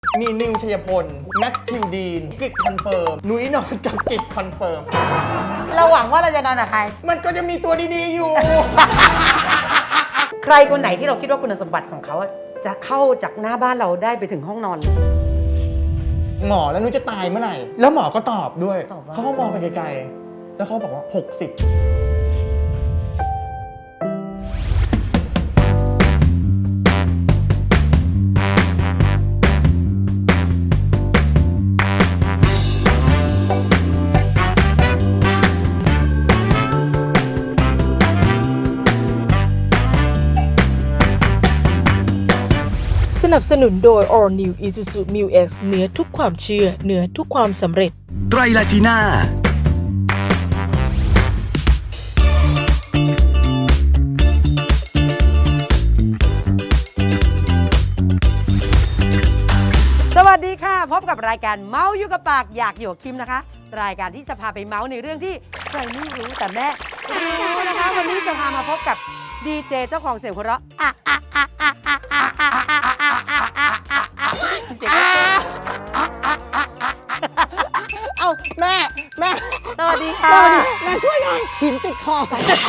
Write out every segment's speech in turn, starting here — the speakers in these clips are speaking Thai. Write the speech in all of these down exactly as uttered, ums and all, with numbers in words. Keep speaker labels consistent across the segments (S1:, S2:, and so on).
S1: มีนิวชัยพลแมทธิวดีนกริดคอนเฟิร์มนุ้ยนอนกับกริดคอนเฟิร์ม
S2: เราหวังว่าเราจะนอนกับใคร
S1: มันก็จะมีตัวดีๆอยู่
S2: ใครคนไหนที่เราคิดว่าคุณสมบัติของเขาจะเข้าจากหน้าบ้านเราได้ไปถึงห้องนอนเลย
S1: หมอแล้วนุ้ยจะตายเมื่อไหร่แล้วหมอก็ตอบด้วย
S2: ตอบว่า
S1: เขาก็มองไปไกลๆแล้วเขาบอกว่าหกสิบ
S3: สนับสนุนโดย All New Isuzu Mu X เหนือทุกความเชื่อเหนือทุกความสำเร็จ
S4: ไตรลาจีน่า
S2: สวัสดีค่ะพบกับรายการเมาส์อยู่กับปากอยากอยู่กับคิมนะคะรายการที่จะพาไปเมาส์ในเรื่องที่ใครไม่รู้แต่แม่รู้นะคะวันนี้จะพามาพบกับดีเจเจ้าของเสียงหัวเราะอ่ะอ่ะอ่ะอ่ะอ่ะอ่ะอ่ะอ่ะอ่ะอ่ะอ่ะอ่ะเสียง
S1: เอ้าแม่แม่
S2: สวัสดีค่ะ
S1: แม่ช่วยหน่อยหินติดคอ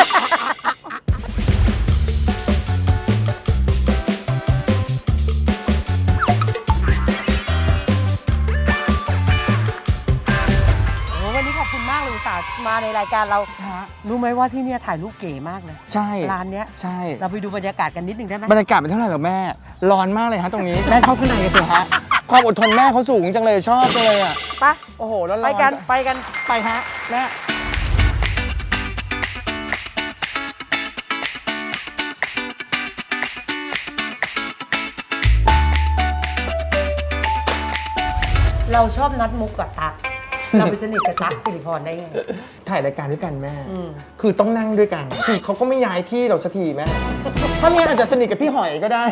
S2: วันนี้ขอบคุณมากเลยอุตส่าห์มาในรายการเรารู้ไหมว่าที่เนี่ยถ่ายรูปเก๋มากเลย
S1: ใช่
S2: ร้านเนี้ย
S1: ใช่
S2: เราไปดูบรรยากาศกันนิดนึงได้ไหม
S1: บรรยากาศเป็นเท่าไหร่หรอแม่ร้อนมากเลยฮะตรงนี้แม่เข้าข้างในกันเถอะฮะความอดทนแม่เขาสูงจังเลยชอบจังเลยอ่ะ
S2: ไป
S1: โอ้โหแล้ว
S2: ไปกันไปกัน
S1: ไปฮะแม่
S2: เราชอบนัดมุกกับตั๊กเราไปสนิทกับตั๊กสิริพรได้ไง
S1: ถ่ายรายการด้วยกันแม่คือต้องนั่งด้วยกันคือเขาก็ไม่ย้ายที่เราสักทีแม่ถ้าเมียอาจจะสนิทกับพี่หอยก็ได้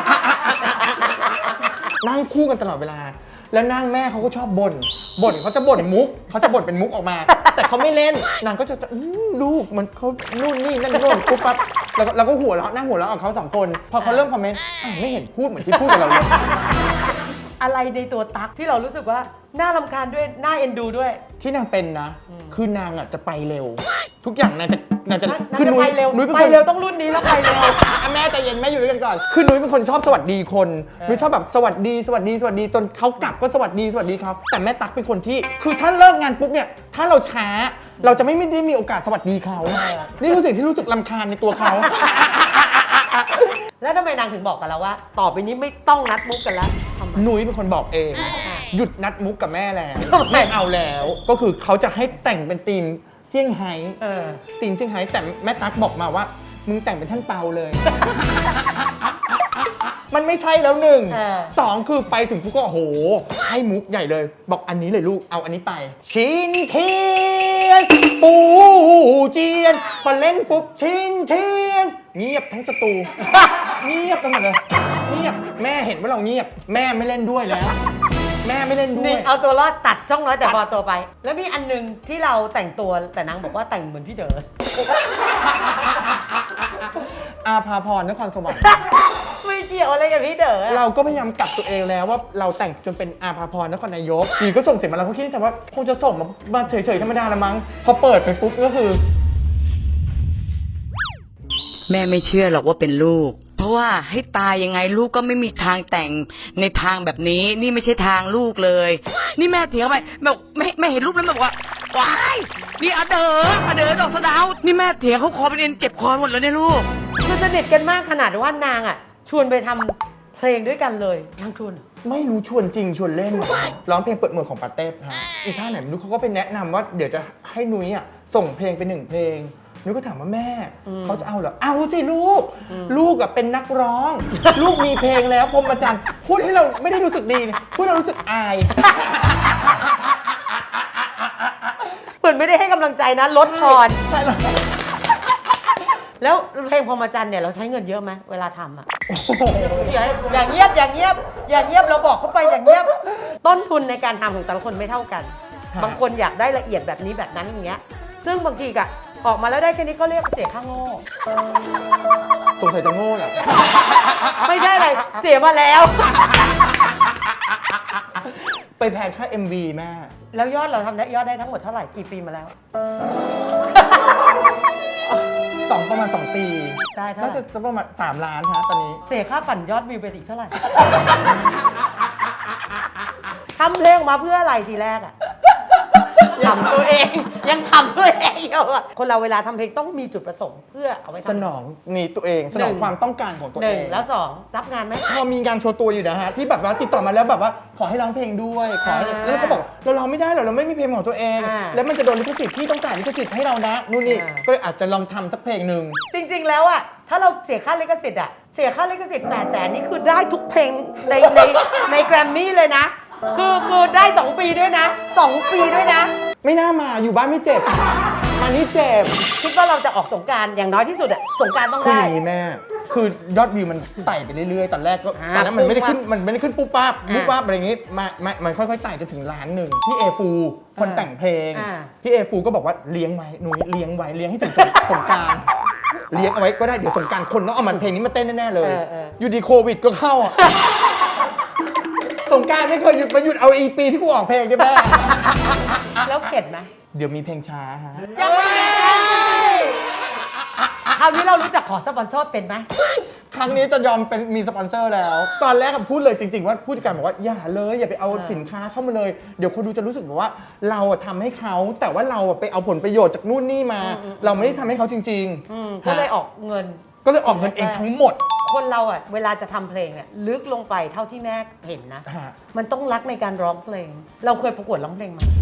S1: นั่งคู่กันตลอดเวลาแล้วนั่งแม่เขาก็ชอบบ่นบ่นเขาจะบ่นมุกเขาจะบ่นเป็นมุกออกมา แต่เขาไม่เล่นนางก็จะลูกมันเขานู่นนี่นั่นโน่นปุ๊บปั๊บแล้วเราก็หัวเราะนั่งหัวเราะกับเขาสองคนพอเขาเริ่มคอมเมนต์ไม่เห็นพูดเหมือนที่พูดกับเราเลย
S2: อะไรในตัวตั๊กที่เรารู้สึกว่าน่ารำคาญด้วยน่าเอ็นดูด้วย
S1: ที่นางเป็นนะคือนางอ่ะจะไปเร็วทุกอย่างนางจะนางจะ
S2: คือนุ้ยนุ้ยไปเร็วต้องรุ่นนี้แล้วไปเร็ว
S1: แม่ใจเย็นแม่อยู่ด้วยกันก่อนคือนุ้ยเป็นคนชอบสวัสดีคนนุ้ยชอบแบบสวัสดีสวัสดีสวัสดีจนเขากลับก็สวัสดีสวัสดีเขาแต่แม่ตั๊กเป็นคนที่คือถ้าเลิกงานปุ๊บเนี่ยถ้าเราช้าเราจะไม่ได้มีโอกาสสวัสดีเขานี่คือสิ่งที่รู้สึกรำคาญในตัวเขา
S2: แล้วทำไมนางถึงบอกกับเราว่าต่อไปนี้ไม่ต้องนัดมุกกันแล้ว
S1: นุ้ยเป็นคนบอกเองหยุดนัดมุกกับแม่แล้วไม่เอาแล้วก็คือเขาจะให้แต่งเป็นธีมเซี่ยงไฮ้ธีมเซี่ยงไฮ้แต่แม่ตั๊กบอกมาว่ามึงแต่งเป็นท่านเปาเลยมันไม่ใช่แล้วหนึ่งสองคือไปถึงปุ๊บก็โอ้โหให้มุกใหญ่เลยบอกอันนี้เลยลูกเอาอันนี้ไปชินเทียนปูเจียนพอเล่นปุ๊บชินเทียนเงียบทั้งสตูเงียบทั้งหมดเลยเงียบแม่เห็นว่าเราเงียบแม่ไม่เล่นด้วยแล้วแม่ไม่เล่นด้วย
S2: นี่เอาตัวรอดตัดช่องน้อยแต่พอตัวไปแล้วมีอันนึงที่เราแต่งตัวแต่นางบอกว่าแต่งเหมือนพี่เด๋อ
S1: อาภาพรนครสวรรค์
S2: ไม่เกี่ยวอะไรกับพี่เด๋อ
S1: เราก็พยายามกลับตัวเองแล้วว่าเราแต่งจนเป็นอาภาพรนครนายกทีก็ส่งเสียงมาแล้วเขาคิดในใจว่าคงจะส่งมาเฉยๆธรรมดาละมั้งพอเปิดไปปุ๊บก็คือ
S5: แม่ไม่เชื่อหรอกว่าเป็นลูกเพราะว่าให้ตายยังไงลูกก็ไม่มีทางแต่งในทางแบบนี้นี่ไม่ใช่ทางลูกเลยนี่แม่เถียงไปแบบไม่ไม่เห็นรูปแล้วแบบว่าว้ายนี่อาเด๋ออาเด๋อดอกสะดาวนี่แม่เถียงเขาคอเป็นเอ็นเจ็บคอหมดแล้วเนี่ยลูก
S2: คือสนิทกันมากขนาดว่านางอ่ะชวนไปทำเพลงด้วยกันเลยนางชวน
S1: ไม่รู้ชวนจริงชวนเล่นร้องเพลงเปิดเมืองของปาเต้ฮะอีท่าไหนไม่รู้เขาก็ไปแนะนำว่าเดี๋ยวจะให้นุ้ยอ่ะส่งเพลงไปหนึ่งเพลงนุ้ยก็ถามว่าแม่เขาจะเอาเหรอเอาสิลูกลูกเป็นนักร้องลูกมีเพลงแล้วพรหมจรรย์พูดให้เราไม่ได้รู้สึกดีพูดให้เรารู้สึกอาย
S2: เหมือนไม่ได้ให้กำลังใจนะลดพร
S1: ใช่เลย
S2: แล้วเพลงพรหมจรรย์เนี่ยเราใช้เงินเยอะไหมเวลาทำอ่ะอย่างเงียบอย่างเงียบอย่างเงียบเราบอกเขาไปอย่างเงียบต้นทุนในการทำของแต่ละคนไม่เท่ากันบางคนอยากได้ละเอียดแบบนี้แบบนั้นอย่างเงี้ยซึ่งบางทีกะออกมาแล้วได้แค่นี้ก็เรียกเสียค่าโง่
S1: สงสัยจะโง่แหละ
S2: ไม่ใช่อะไร เสียมาแล้ว
S1: ไปแพงค่า เอ็ม วี แม่
S2: แล้วยอดเราทำได้ยอดได้ทั้งหมดเท่าไหร่กี่ปีมาแล้ว
S1: สองประมาณ สอง ปี
S2: ได้เท่าไหร่
S1: น่าจะจะประมาณสามล้านฮะตอนนี้
S2: เสียค่าปั่นยอดวิวไปอีกเท่าไหร่ ทำเพลงมาเพื่ออะไรทีแรกอะขำตัวเอง ยังขำตัวเองอยู่อะคนเราเวลาทำเพลงต้องมีจุดประสงค์เพื่อเอาไว้ทำ
S1: สนองนี่ตัวเองสนองความต้องการของตัว
S2: ห
S1: เอ
S2: นึ่ง
S1: ง
S2: แล้วสองรับงานไหม
S1: พอมีงานโชว์ตัวอยู่นะฮะที่แบบว่าติดต่อมาแล้วแบบว่าขอให้ร้องเพลงด้วยขอให้
S2: อ่า
S1: แล้วเขาบอกเราร้องไม่ได้หรอกเราไม่มีเพลงของตัวเอง
S2: อ่า
S1: แล้วมันจะโดนลิขสิทธิ์พี่ต้องจ่ายลิขสิทธิ์ให้เรานะนู่นนี่
S2: อ่า
S1: ก็เลยอาจจะลองทำสักเพลงหนึ่ง
S2: จริงๆ แล้วอะถ้าเราเสียค่าลิขสิทธิ์อะเสียค่าลิขสิทธิ์แปดแสนนี่คือได้ทุกเพลงในในในแกรมมี่เลยนะ คือคือได้ สอง ปีด้วยนะ สอง ปีด้วยนะ
S1: ไม่น่ามาอยู่บ้านไม่เจ็บมานี่เจ็บ
S2: คิดว่าเราจะออกสงกรารอย่างน้อยที่สุดอะสงกรารต้อง
S1: คืออ
S2: ได้
S1: ย่างนี้แม่คือยอดวิวมันไต่ไปเรื่อยๆตอนแรกก็
S2: อ่า
S1: ตอนนั้นมันไม่ได้ขึ้น
S2: ปุ๊บปั๊บ
S1: มันไม่ได้ขึ้นปุ๊บปั๊บ
S2: อ่า
S1: ปุ๊บปั๊บอะไรอย่างงี้มามามันค่อยๆไต่จนถึงล้านหนึ่งพี่เอฟูคน
S2: อ่า
S1: แต่งเพลง
S2: อ่า
S1: พี่เอฟูก็บอกว่าเลี้ยงไว้หนูเลี้ยงไว้เลี้ยงให้ถึงสงสงกรารเลี้ยงเอาไว้ก็ได้เดี๋ยวสงกรารคนต้องเอามันเพลงนี้มาเต้นแน่ๆเลย
S2: เออเออ
S1: อยู่ดีโควิดก็เข้าอะ สงกรารไม่เคยหยุดมาหยุดเอาอีปีที่กูออกเพลงได้แม่
S2: แล้วเข็ดไหม
S1: เดี๋ยวมีเพลงช้าฮะ
S2: ยังไม่ได้คราวนี้เรารู้จักขอสปอนเซอร์เป็นไหม
S1: ครั้งนี้จะยอมเป็นมีสปอนเซอร์แล้ว ตอนแรกอะพูดเลยจริงๆว่าผู้จัดการบอกว่าอย่าเลยอย่าไปเอา
S2: เออ
S1: สินค้าเข้ามาเลย เดี๋ยวคนดูจะรู้สึกแบบว่าเราอะทำให้เขาแต่ว่าเราอะไปเอาผลประโยชน์จากนู่นนี่มา เราไม่ได้ทำให้เขาจริง
S2: อืม
S1: ๆ
S2: ก็เลย
S1: ฮะ
S2: ออกเงิน
S1: ก็เลยออกเงินเองทั้งหมด
S2: คนเราอะเวลาจะทำเพลงเนี่ยลึกลงไปเท่าที่แม่เห็นนะ
S1: ฮะ
S2: มันต้องรักในการร้องเพลง เราเคยประกวดร้องเพลงมา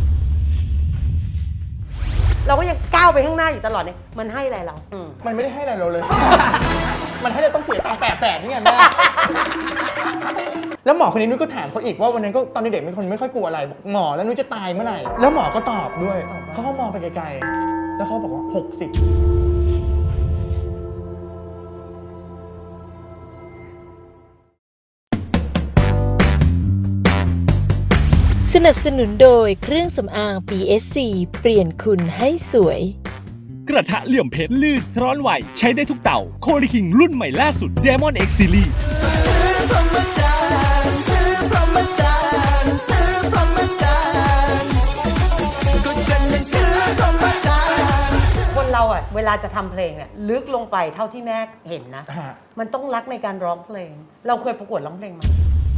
S2: เราก็ยังก้าวไปข้างหน้าอยู่ตลอดเนี่ยมันให้อะไรเราอืม
S1: มันไม่ได้ให้อะไรเราเลย มันให้เราต้องเสียตังค์แปดแสนนี่ไงแม่ แล้วหมอคนนี้นุ้ยก็ถามเขาอีกว่าวันนั้นก็ตอนเด็กๆเป็นคนไม่ค่อยกลัวอะไรบอกหมอแล้วนุ้ยจะตายเมื่อไหร่แล้วหมอก็ตอบด้วยเขาก็มองไปไกลๆแล้วเขาบอกว่าหกสิบ
S3: สนับสนุนโดยเครื่องสำอาง พี เอส ซี เปลี่ยนคุณให้สวย
S4: กระทะเหลี่ยมเพชรลื่น ร้อนไหว ใช้ได้ทุกเต่า โคลิคิงรุ่นใหม่ล่าสุด Diamond X Series
S2: คนเราอะเวลาจะทำเพลงเนี่ยลึกลงไปเท่าที่แม่เห็นนะ
S1: ฮะ
S2: มันต้องรักในการร้องเพลง เราเคยประกวดร้องเพลงมา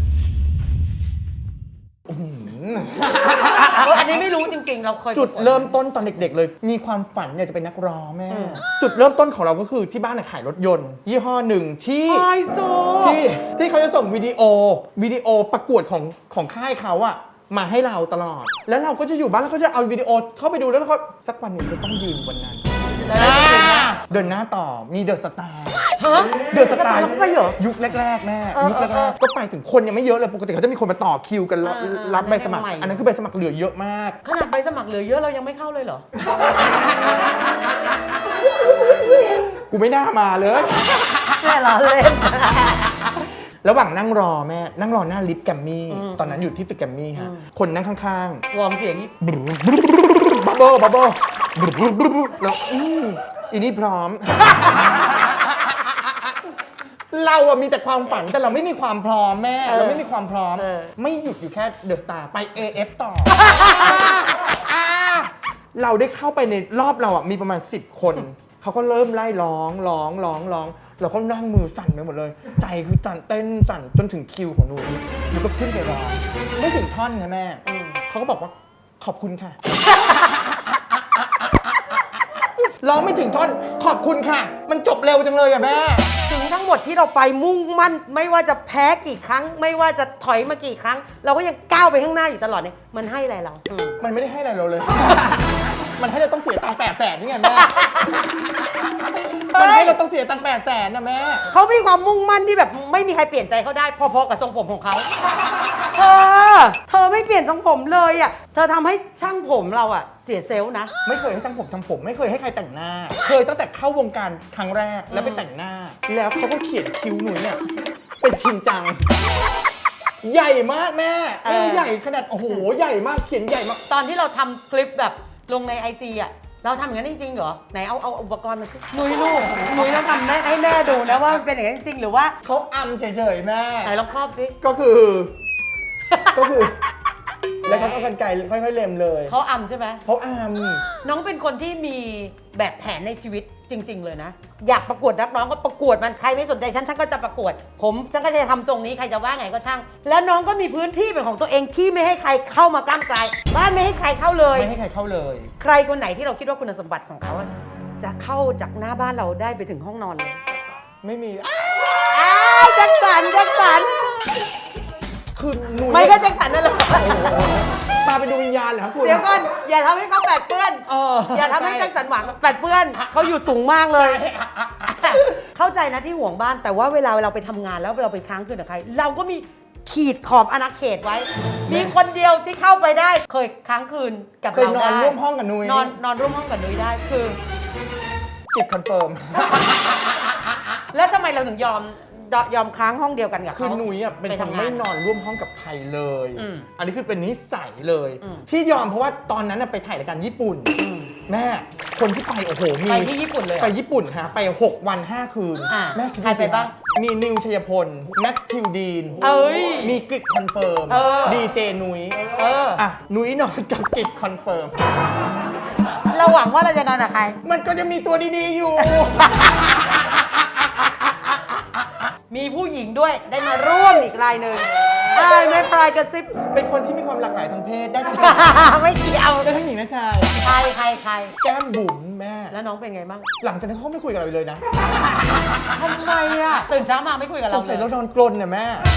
S2: เอออันนี้ไม่รู้จริงๆ เราเคย
S1: จุด
S2: ประกว
S1: เริ่มต้นตอนเด็กๆเลย มีความฝันอยากจะเป็นนักร้องแม่ จุดเริ่มต้นของเราก็คือที่บ้านน่ะขายรถยนต์ ยี่ห้อหนึ่งที่
S2: ไฮโซ
S1: ที่ที่เขาจะส่งวิดีโอวิดีโอประกวดของของค่ายเขาอะมาให้เราตลอด แล้วเราก็จะอยู่บ้านแล้วก็จะเอาวิดีโอเข้าไปดูแล้วก็สักวันหนึ่งจะต้องยืนบนนั้น
S2: แล้วได้จริงๆนะ
S1: เดินหน้าต่อมีเดอะสตาร์
S2: ฮะ
S1: เดอะสตาร์
S2: แล้วไปเหรอ
S1: ยุคแรกๆแม่
S2: เออ
S1: ยุค
S2: เออ
S1: แรกๆก็ไปถึงคนยังไม่เยอะเลยปกติเขาจะมีคนมาต่อคิวกันรับ
S2: เออเออ
S1: รับใบสมัคร
S2: อันนั้นยังใหม่
S1: อันนั้นคือใบสมัครเหลือเยอะมาก
S2: ขนาดใบสมัครเหลือเยอะเรายังไม่เข้าเลยเหรอ
S1: กูไม่น่ามาเลย
S2: แม่ล้อเล่น
S1: ระหว่างนั่งรอแม่ นั่งรอหน้าลิฟต์แกรมมี่ ตอนนั้นอยู่ที่ตึกแกรมมี่ฮะ คนนั่งข้าง
S2: วอร์มเสียงนี้
S1: ๆ บับเบิ้ลบับเบิ้ลแล้วอืมอีนี่พร้อม เราอะมีแต่ความฝันแต่เราไม่มีความพร้อมแม่
S2: เออ
S1: เราไม่มีความพร้อม
S2: เออ
S1: ไม่หยุดอยู่แค่เดอะสตาร์ไป เอ เอฟ ต่อ เราได้เข้าไปในรอบเราอะมีประมาณสิบคน เขาก็เริ่มไล่ร้องร้องร้องร้องเราก็นั่งมือสั่นไปหมดเลย ใจคือสั่นเต้นสั่นจนถึงคิวของหนูหนูก็ขึ้นไปร้องไม่ถึงท่อนนะแม่เขาก็บอกว่าขอบคุณค่ะ ร้องไม่ถึงท่อนขอบคุณค่ะ มันจบเร็วจังเลยอะแม่
S2: ถึงทั้งหมดที่เราไปมุ่งมั่น ไม่ว่าจะแพ้กี่ครั้ง ไม่ว่าจะถอยมากี่ครั้ง เราก็ยังก้าวไปข้างหน้าอยู่ตลอดเนี่ยมันให้อะไรเราอืม
S1: มันไม่ได้ให้อะไรเราเลย มันให้เราต้องเสียตังค์แปดแสนนี่ไงแม่ มันให้เราต้องเสียตังค์แปดแสนนะแม่
S2: เขามีความมุ่งมั่นที่แบบไม่มีใครเปลี่ยนใจเขาได้พอๆกับทรงผมของเขาเธอเธอไม่เปลี่ยนทรงผมเลยอ่ะเธอทำให้ช่างผมเราอ่ะเสียเซลล์นะ
S1: ไม่เคยให้ช่างผมทำผม ไม่เคยให้ใครแต่งหน้า เคยตั้งแต่เข้าวงการครั้งแรกแล้วไปแต่งหน้า แล้วเขาก็เขียนคิ้วหนูเนี่ยเป็นชินจัง ใหญ่มากแม่ ไม่ได้
S2: เออ
S1: ใหญ่ขนาดโอ้โหใหญ่มากเขียนใหญ่มาก
S2: ตอนที่เราทำคลิปแบบลงในไอจีอ่ะเราทำอย่างนั้นจริงๆเหรอไหนเอาเอาอุปกรณ์มาสินุ้ยลูกนุ้ยต้องทำให้ให้แม่ดูนะว่ามันเป็นอย่างนั้นจริงๆหรือว่า
S1: เขาอำเฉยๆแม่
S2: ไหนลองครอบสิ
S1: ก็คือ ก็คือ แล้วเขาก็กันไกลค่อยๆเล็มเลย
S2: เขาอำใช่ไหม
S1: เขาอ
S2: น้องเป็นคนที่มีแบบแผนในชีวิตจริง ๆ เลยนะ อยากประกวดนักร้องก็ประกวดมันใครไม่สนใจฉันฉันก็จะประกวด ผมฉันก็จะทำทรงนี้ใครจะว่าไงก็ช่าง แล้วน้องก็มีพื้นที่เป็นของตัวเองที่ไม่ให้ใครเข้ามาก้ามไกลบ้านไม่ให้ใครเข้าเล
S1: ำ
S2: ย
S1: ไม่ให้ใครเข้าเลย
S2: ใครคนไหนที่เราคิดว่าคุณสมบัติของเขาอะจะเข้าจากหน้าบ้านเราได้ไปถึงห้องนอนเลย
S1: ไม่มีอ้า
S2: อ้ายแจ็คสันแจ็คสัน
S1: คือหนู
S2: ไม่ก็แจ็คสันนั่นแหละ
S1: ตาเป็นดวงวิญญาณเหรอครับคุณ
S2: เดี๋ยวก่อนอย่าทำให้เขาแปดเปื้อน
S1: เออ
S2: อย่าทำให้
S1: ใช่
S2: แจ็คสันหวังแปดเปื้อนเขาอยู่สูงมากเลย เข้าใจนะที่ห่วงบ้านแต่ว่าเวลาเราไปทำงานแล้วเราไปค้างคืนกับใคร เราก็มีขีดขอบอาณาเขตไว้ มีคนเดียวที่เข้าไปได้ เคยค้างคืนกับ
S1: เคย
S2: เรา
S1: นอน
S2: ได้
S1: ร่วมห้องกับนุ้ย
S2: นอนนอนร่วมห้องกับนุ้ยได้คือ
S1: กิจคอนเฟิร์ม
S2: แล้วทำไมเราถึงยอมยอมค้างห้องเดียวกันกับ
S1: คือ
S2: เขา
S1: นุ้ยอ่ะเป็น
S2: ไป
S1: คน
S2: ทำงาน
S1: ไม่นอนร่วมห้องกับใครเลย
S2: อืม
S1: อันนี้คือเป็นนิสัยเลย
S2: อืม
S1: ที่ยอมเพราะว่าตอนนั้นน่ะไปถ่ายรายการญี่ปุ่น แม่คนที่ไปโอ้โหมี
S2: ไปที่ญี่ปุ่นเลยเหรอ
S1: ไปญี่ปุ่นฮะไปหกวันห้าคืน
S2: อ่า
S1: แม่คิด
S2: ใคร
S1: ดูสิ
S2: ไปบ้าง
S1: มีนิวชัยพลนัททิวดีน
S2: เอ้ย
S1: มีกริดคอนเฟิร์ม
S2: เออ
S1: ดีเจนุ้ย
S2: เออ
S1: อ่ะนุ้ยนอนกับกริดคอนเฟิร์ม
S2: เราหวังว่าเราจะนอนกับใคร
S1: มันก็จะมีตัวดีๆอยู่
S2: มีผู้หญิงด้วยได้มาร่วมอีกรายหนึ่งไอ้ไม่ปลายกระซิบ
S1: เป็นคนที่มีความหลากหลายทางเพศได้ทั้ง
S2: ไม่เกี่ยว
S1: ได้ทั้งหญิงและชาย
S2: ใครใครใคร
S1: แก้มบุ๋มแม่
S2: แล้วน้องเป็นไงบ้าง
S1: หลังจากนั้นเขาไม่คุยกับเราอีกเลยนะ
S2: ทำไมอ่ะตื่นเช้ามาไม่คุยกับ
S1: ส
S2: เรา
S1: งสัย
S2: เล
S1: เรา
S2: ย
S1: นอนกลนเนี่ยแม่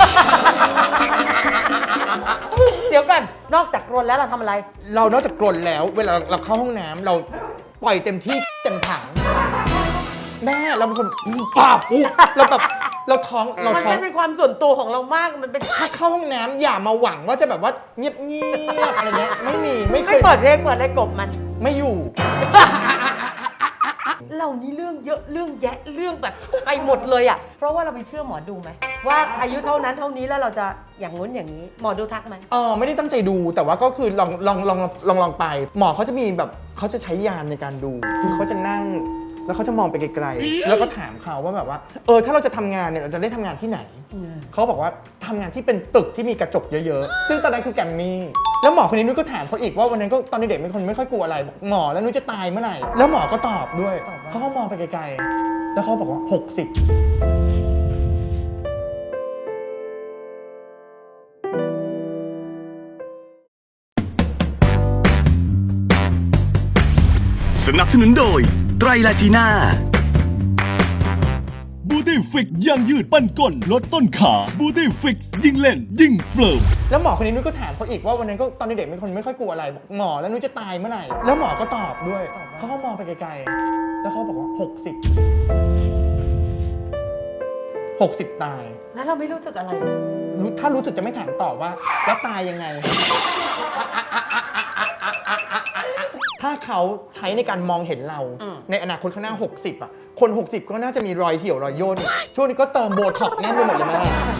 S2: เดี๋ยวกันนอกจากกรนแล้วเราทำอะไร
S1: เรานอกจากกลนแล้ว เวลาเราเข้าห้องน้ำเราปล่อยเต็มที่เต็มถัง แม่เราเป็นคนป้าบอุ๊เราแบบเราท้องเรา
S2: มัน
S1: ท้อง
S2: เป็นความส่วนตัวของเรามากมันเป็น
S1: ถ้าเข้าห้องน้ำอย่ามาหวังว่าจะแบบว่าเงียบเงียบๆอะไรเงี้ยไม่มีไม่เค
S2: ไม่
S1: ย
S2: เปิดเพลงเปิดอะไรกบมัน
S1: ไม่อยู่
S2: เรานี่เรื่องเยอะเรื่องแยะเรื่องแบบไปหมดเลยอ่ะเพราะว่าเราไปเชื่อหมอดูไหมว่าอายุเท่านั้นเท่านี้แล้วเราจะอย่างงู้นอย่างนี้หมอดูทักไหม
S1: เออไม่ได้ตั้งใจดูแต่ว่าก็คือลองลองลองลองลองไป หมอเขาจะมีแบบเขาจะใช้ยานในการดู คือเขาจะนั่งแล้วเขาจะมองไปไกลๆแล้วก็ถามเขาว่าแบบว่าเออถ้าเราจะทำงานเนี่ยเราจะได้ทำงานที่ไหน เขาบอกว่าทำงานที่เป็นตึกที่มีกระจกเยอะๆ ซึ่งตอนนั้นคือแกรมมี่แล้วหมอคนนี้นุ้ยก็ถามเขาอีกว่าวันนั้นก็ตอนเด็กๆเป็นคนไม่ค่อยกลัวอะไรบอกหมอแล้วนุ้ยจะตายเมื่อไหร่แล้วหมอก็ตอบด้วยเขาก็มองไปไกลๆแล้วเขาบอกว่าหกสิบ
S6: สนับสนุนโดยไตรลาจีน่า
S4: บูตี้ฟิกยังยืดปั้นก้นลดต้นขาบูตี้ฟิกยิ่งเล่น ยิ่งเฟิร์ม
S1: แล้วหมอคนนี้นุ้ยก็ถามเขาอีกว่าวันนั้นก็ตอนเด็กๆเป็นคนไม่ค่อยกลัวอะไรบอกหมอแล้วนุ้ยจะตายเมื่อไหร่แล้วหมอก็ตอบด้วยเขาก็มองไปไกลๆแล้วเขาบอกว่าหกสิบ หกสิบตาย
S2: แล้วเราไม่รู้สึกอะไร
S1: รู้ถ้ารู้สึกจะไม่ถามต่อว่าแล้วตายยังไง ถ้าเขาใช้ในการมองเห็นเรา
S2: อืม
S1: ในอนาคตข้างหน้า หกสิบ อ่ะ คน หกสิบ ก็น่าจะมีรอยเหี่ยวรอยย่นช่วงนี้ก็เติมโบท็อกซ์แน่นไปหมดเลยแม่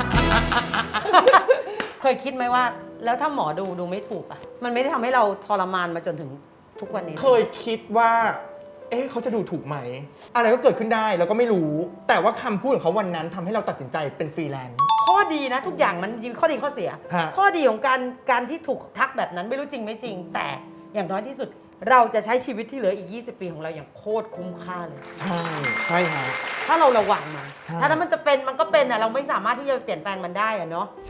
S2: เคยคิดไหมว่า แล้วถ้าหมอดูดูไม่ถูกอ่ะมันไม่ได้ทำให้เราทรมานมาจนถึงทุกวันนี้
S1: เคยคิดว่า เอ๊ะเขาจะดูถูกไหม อะไรก็เกิดขึ้นได้แล้วก็ไม่รู้ แต่ว่าคำพูดของเขาวันนั้นทำให้เราตัดสินใจเป็นฟรีแลนซ์
S2: ข้อดีนะทุกอย่างมันมีข้อดีข้อเสีย
S1: ฮะ
S2: ข้อดีของการการที่ถูกทักแบบนั้นไม่รู้จริงไม่จริง แต่อย่างน้อยที่สุด เราจะใช้ชีวิตที่เหลืออีกยี่สิบปีของเราอย่างโคตรคุ้มค่าเลย
S1: ใช่ใช่ฮะ
S2: ถ้าเราระวังมัน
S1: ใช่
S2: ถ้านั้นมันจะเป็นมันก็เป็นอ่ะเราไม่สามารถที่จะเปลี่ยนแปลงมันได้อ่ะเนาะ
S1: ใช่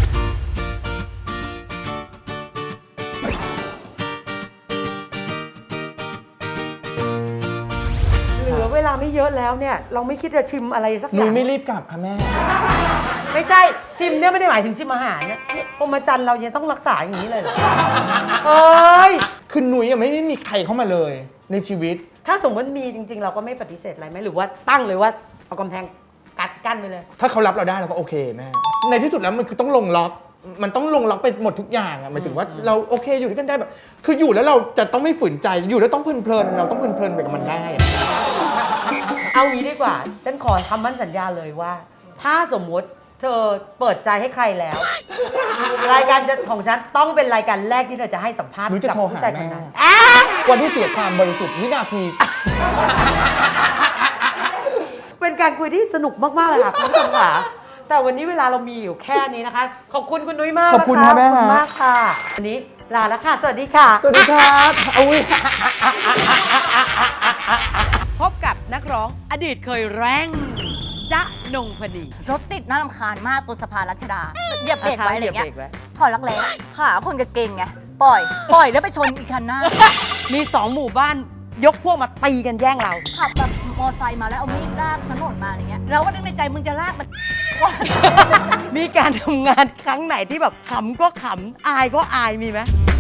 S2: เหลือเวลาไม่เยอะแล้วเนี่ยเราไม่คิดจะชิมอะไรสักอ
S1: นุ้
S2: ย่าย ง
S1: ไม่รีบกลับค่ะแม่
S2: ไม่ใช่ชิมเนี่ยไม่ได้หมายถึงชิมอาหารนะพรหมจรรย์เรายังต้องรักษาอย่างนี้เลยเหรอเอ้ย
S1: คือนุ้ยยังไม่ได้มีใครเข้ามาเลยในชีวิต
S2: ถ้าสมมติมีจริง ๆ เราก็ไม่ปฏิเสธอะไรไหมหรือว่าตั้งเลยว่าเอากำแพงกัดกั้นไปเลย
S1: ถ้าเขารับเราได้เราก็โอเคแม่ในที่สุดแล้วมันคือต้องลงล็อก มันต้องลงล็อกไปหมดทุกอย่างอะหมายถึงว่าเราโอเคอยู่ด้วยกันได้แบบ คืออยู่แล้วเราจะต้องไม่ฝืนใจอยู่แล้วต้องเพลินๆเราต้องเพลินๆไปกับมันได้อะ
S2: เอางี้ดีกว่าฉันขอคำมั่นสัญญาเลยว่า ถ้าสมมติเธอเปิดใจให้ใครแล้ว รายการจะของฉันต้องเป็นรายการแรกที่เธอจะให้สัมภาษณ์
S1: หนูจะ
S2: กับ
S1: โทร
S2: ผู้
S1: หา
S2: ชายค
S1: แม่
S2: นนั้นอ่ะ
S1: วันที่เสียความบริสุทธิ์วินาที
S2: เป็นการคุยที่สนุกมาก ๆ เลยค่ะคุณผู้ชมค่ะ แต่วันนี้เวลาเรามีอยู่แค่นี้นะคะ ขอบคุณคุณนุ้ยมาก
S1: ขอบคุณ
S2: นะ
S1: ค่ะ
S2: คะ
S1: แม่
S2: ขอบคุณ
S1: ฮะ
S2: มากค่ะ วันนี้ลาแล้วค่ะ สวัสดีค่ะ
S1: สวัสดีครับอุ้ย
S2: พบกับนักร้องอดีตเคยแรงจ๊ะนงพนี
S7: รถติดน่ารำคาญมากตัวสะพานรัชดาเหยียบเบรกไว้อะไรเงี้ย
S2: หบรกไว้
S7: ถอยรักแร้ขาคนกระเกงไง ปล่อย ปล่อยแล้วไปชนอีกคันหน้า
S2: มีสองหมู่บ้านยกพวกมาตีกันแย่งเรา
S7: ขับแบบมอไซค์มาแล้วเอามีดลากถนนมาอะไรเงี้ยเราก็นึกในใจมึงจะลากมัน
S2: มีการทำงานครั้งไหนที่แบบขำก็ขำ อายก็อายมีไหม